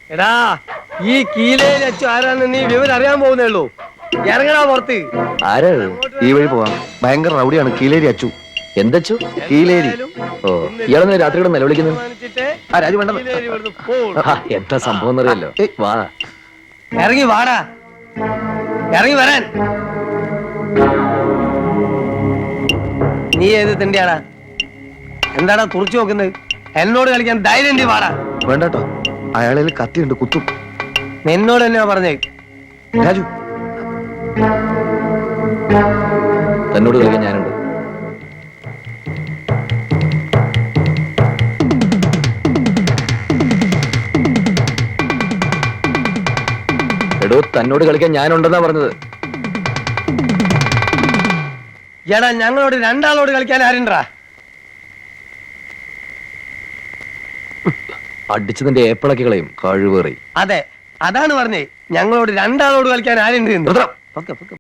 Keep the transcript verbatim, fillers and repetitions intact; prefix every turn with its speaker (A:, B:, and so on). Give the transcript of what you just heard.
A: എടാ ഈ കീലയിൽ അച്ചു ആരാന്ന് നീ വിവരം അറിയാൻ പോകുന്നേ ഉള്ളൂ. ഇറങ്ങടാ പുറത്ത്.
B: ആരാ ഈ വഴി പോവാം? ഭയങ്കര റൗഡിയാണ് കീലേരി അച്ചു. എന്തച്ചു? കീലേരി. ഓ, ഇയാളെന്ന് രാത്രിയുടെ നിലവിളിക്കുന്നത്? ആ രാജു വേണ്ട. എന്താ സംഭവം എന്നറിയല്ലോ. വാ,
A: ഇറങ്ങി വാടാ, ഇറങ്ങി വരാൻ. നീ ഏത് തിണ്ടിയാടാ? എന്താടാ തുറച്ചു നോക്കുന്നത്? എന്നോട് കളിക്കാൻ ധൈര്യം വാടാ.
B: വേണ്ടട്ടോ, അയാളിൽ കത്തിയുണ്ട്, കുത്തും.
A: നിന്നോട് തന്നെയാ പറഞ്ഞേ.
B: രാജു, തന്നോട് കളിക്കാൻ ഞാനുണ്ട്. എടോ, തന്നോട് കളിക്കാൻ ഞാനുണ്ടെന്നാ പറഞ്ഞത്.
A: എടാ, ഞങ്ങളോട് രണ്ടാളോട് കളിക്കാൻ ആരുണ്ടാ?
B: അടിച്ചതിന്റെ ഏപ്പിളക്കി കളയും കഴിവേറി.
A: അതെ, അതാണ് പറഞ്ഞേ. ഞങ്ങളോട് രണ്ടാളോട് കളിക്കാൻ ആരുണ്ട്.